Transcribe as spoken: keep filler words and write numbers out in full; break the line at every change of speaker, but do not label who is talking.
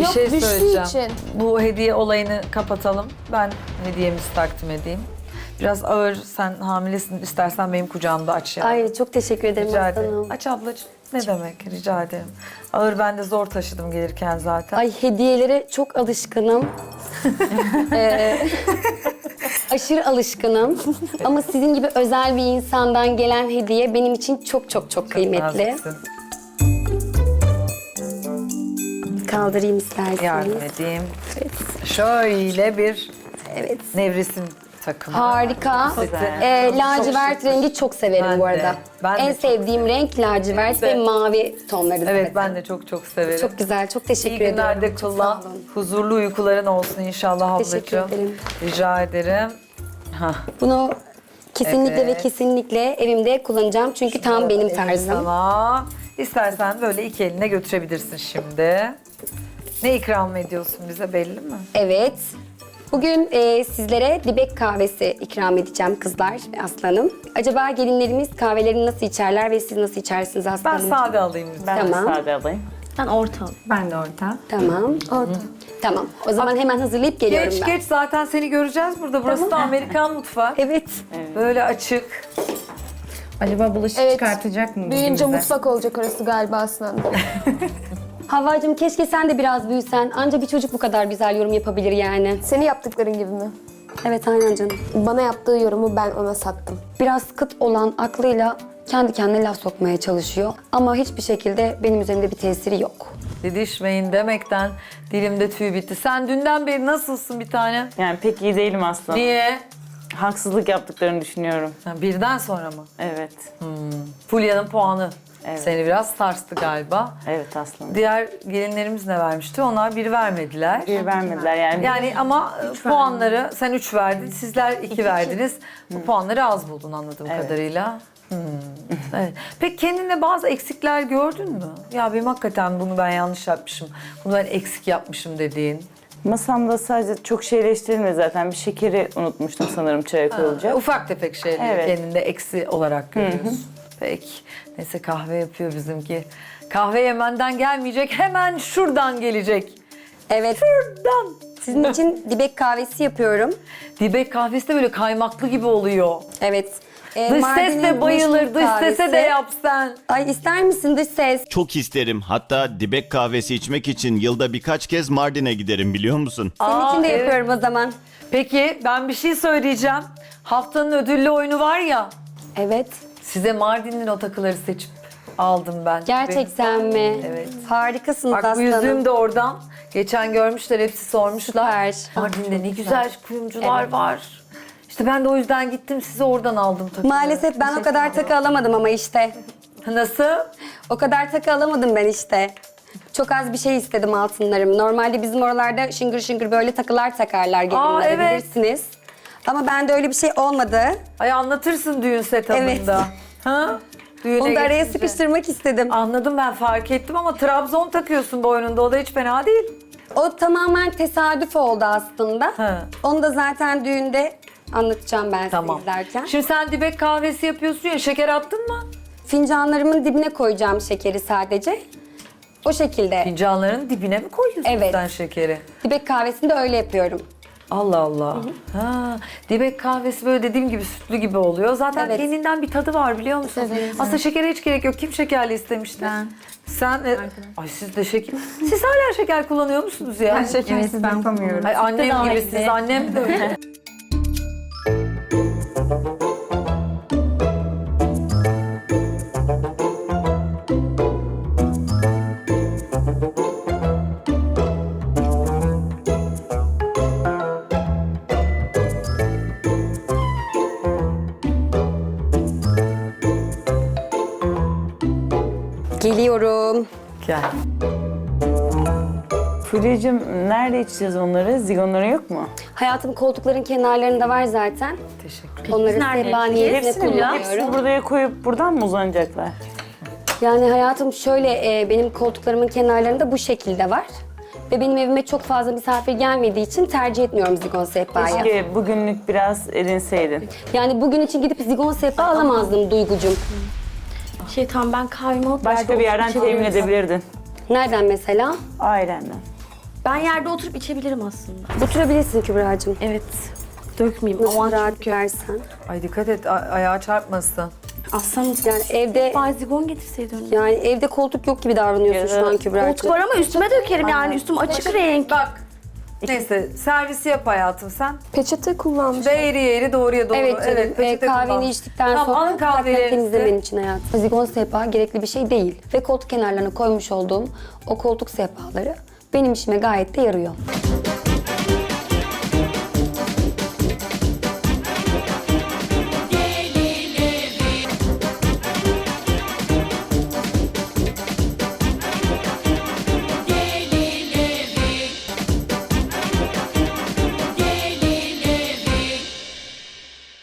Bir
Yok,
şey
düştüğü
söyleyeceğim.
için.
Bu hediye olayını kapatalım. Ben hediyemizi takdim edeyim. Biraz ağır, sen hamilesin. İstersen benim kucağımda aç ya.
Ay çok teşekkür ederim
Rica
aslanım.
ederim. Aç ablacığım. Ne demek? Rica ederim. Ağır ben de zor taşıdım gelirken zaten.
Ay hediyelere çok alışkınım. Ee, aşırı alışkınım. Ama sizin gibi özel bir insandan gelen hediye benim için çok çok çok kıymetli.
Naziksin.
Kaldırayım isterseniz.
Yardım edeyim.
Evet.
Şöyle bir
Evet.
nevresim takımı.
Harika.
Güzel.
Ee, lacivert
şık.
rengi çok severim
Ben
bu
de,
arada.
ben de
en
çok
sevdiğim renk lacivert
de.
ve mavi tonları
Evet
zaten.
ben de çok çok severim.
Çok güzel, çok
İyi
teşekkür ediyorum.
günlerde
Çok
kullan.
sağ olun.
Huzurlu uykuların olsun inşallah ablacığım.
Teşekkür ederim.
Rica ederim. Hah.
Bunu kesinlikle
Evet.
ve kesinlikle evimde kullanacağım çünkü tam benim tarzım.
Sana. İstersen böyle iki eline götürebilirsin şimdi. Ne ikram ediyorsun bize belli mi?
Evet. Bugün e, sizlere dibek kahvesi ikram edeceğim kızlar ve aslanım. Acaba gelinlerimiz kahvelerini nasıl içerler ve siz nasıl içersiniz
Ben
aslanım?
sade alayım lütfen.
Ben
Tamam.
de sade alayım.
Ben orta.
Ben de orta.
Tamam.
Orta.
Tamam. O zaman hemen hazırlayıp geliyorum
Geç
ben.
geç zaten seni göreceğiz burada. Burası da Amerikan mutfağı.
Evet.
Böyle açık.
Acaba bulaşık
Evet.
çıkartacak mı bugün
Büyüyünce
bize?
mutfak olacak orası galiba aslında.
Havvacığım keşke sen de biraz büyüsen. Anca bir çocuk bu kadar güzel yorum yapabilir yani.
Senin yaptıkların gibi mi?
Evet aynen canım.
Bana yaptığı yorumu ben ona sattım.
Biraz kıt olan aklıyla kendi kendine laf sokmaya çalışıyor. Ama hiçbir şekilde benim üzerimde bir tesiri yok.
Didişmeyin demekten dilimde tüy bitti. Sen dünden beri nasılsın bir tane?
Yani pek iyi değilim aslında.
Niye?
Haksızlık yaptıklarını düşünüyorum.
Ha, birden sonra mı?
Evet.
Fulya'nın puanı
Evet.
seni biraz sarstı galiba.
Evet aslında.
Diğer gelinlerimiz ne vermişti? Onlar bir vermediler.
Bir vermediler yani.
Yani ama e, puanları sen üç verdin, sizler iki verdiniz. Bu puanları az buldun anladığım
Evet.
kadarıyla. Hmm. Evet. Peki kendinde bazı eksikler gördün mü? Ya benim hakikaten bunu ben yanlış yapmışım, bunu ben eksik yapmışım dediğin.
Masamda sadece çok şeyleştirilmedi zaten. Bir şekeri unutmuştum sanırım çaya koyulacak.
Ufak tefek şeyleri
Evet.
kendinde eksi olarak görüyorsun. Peki. Neyse kahve yapıyor bizimki. Kahve Yemen'den gelmeyecek, hemen şuradan gelecek.
Evet.
Şuradan.
Sizin için dibek kahvesi yapıyorum.
Dibek kahvesi de böyle kaymaklı gibi oluyor.
Evet. Ee,
Dış ses
Mardin'in
de bayılır,
meşhur
dış sese
kahvesi.
de yap sen.
Ay ister misin dış ses?
Çok isterim. Hatta dibek kahvesi içmek için yılda birkaç kez Mardin'e giderim biliyor musun?
Senin
Aa,
için de
evet.
yapıyorum o zaman.
Peki ben bir şey söyleyeceğim. Haftanın ödüllü oyunu var ya.
Evet.
Size Mardin'in o takıları seçip aldım ben.
Gerçekten mi?
Evet.
Harikasınız
Bak bu
aslanım.
yüzüğüm de oradan. Geçen görmüşler, hepsi sormuşlar.
Süper.
Mardin'de ne güzel kuyumcular var. İşte ben de o yüzden gittim, size oradan aldım takıları.
Maalesef ben o kadar takı alamadım ama işte.
Nasıl?
O kadar takı alamadım ben işte. Çok az bir şey istedim altınlarım. Normalde bizim oralarda şıngır şıngır böyle takılar takarlar gelinlere
evet.
bilirsiniz. Ama bende öyle bir şey olmadı.
Ay anlatırsın düğün setup'ında.
Evet.
Ha? Düğüne
Onu da araya
geçince.
sıkıştırmak istedim.
Anladım, ben fark ettim ama Trabzon takıyorsun boynunda, o da hiç fena değil.
O tamamen tesadüf oldu aslında.
Ha.
Onu da zaten düğünde anlatacağım ben
Tamam.
size izlerken.
Şimdi sen dibek kahvesi yapıyorsun ya, şeker attın mı?
Fincanlarımın dibine koyacağım şekeri sadece. O şekilde.
Fincanların dibine mi koyuyorsun
Evet.
sen şekeri?
Dibek kahvesini de öyle yapıyorum.
Allah Allah. Ha, dibek kahvesi böyle dediğim gibi sütlü gibi oluyor. Zaten
Evet.
kendinden bir tadı var biliyor musun?
Evet.
Aslında şekere hiç gerek yok. Kim şekerli istemişti?
Ben.
Sen, e, ay siz de şeker. Siz hala şeker kullanıyor musunuz ya?
Ben şekersiz yapamıyorum.
Ay annem
daha
gibisiniz,
iyi.
annem de öyle.
Geliyorum.
Gel.
Fulya'cığım nerede içeceğiz onları? Zigonların yok mu?
Hayatım koltukların kenarlarında var zaten.
Teşekkür
Onları
nerede
sebaniyetine
Hepsini,
kullanıyorum.
hepsini buraya koyup buradan mı uzanacaklar?
Yani hayatım şöyle e, benim koltuklarımın kenarlarında bu şekilde var. Ve benim evime çok fazla misafir gelmediği için tercih etmiyorum zigon sehpayı.
Keşke bugünlük biraz edinseydin.
Yani bugün için gidip zigon sehpa alamazdım Duygucum.
Şey tamam ben kahvemi alıp
Başka bir yerden temin edebilirdin.
Nereden mesela?
Ailenden.
Ben yerde oturup içebilirim aslında.
Oturabilirsin Kübra'cığım.
Evet. Dökmeyeyim.
Nasıl
Aman
rahat
çünkü.
görsen.
Ay dikkat et a- ayağa çarpmasın.
Aslanım.
Yani evde
Bazigon getirseydin.
yani evde koltuk yok gibi davranıyorsun şu an Kübra'cığım.
Koltuk var ama üstüme dökerim yani. Üstüm açık renk.
Bak. Neyse servisi yap hayatım sen.
Peçete kullanmış.
Ve eğri eğri doğruya doğru.
Evet canım, e,
peçete
kahveni
kullan.
içtikten
Tamam,
sonra
alın
mutlaka
kahvelerinizi.
temizlemen için hayatım. Zigon sehpa gerekli bir şey değil. Ve koltuk kenarlarına koymuş olduğum o koltuk sehpaları benim işime gayet de yarıyor.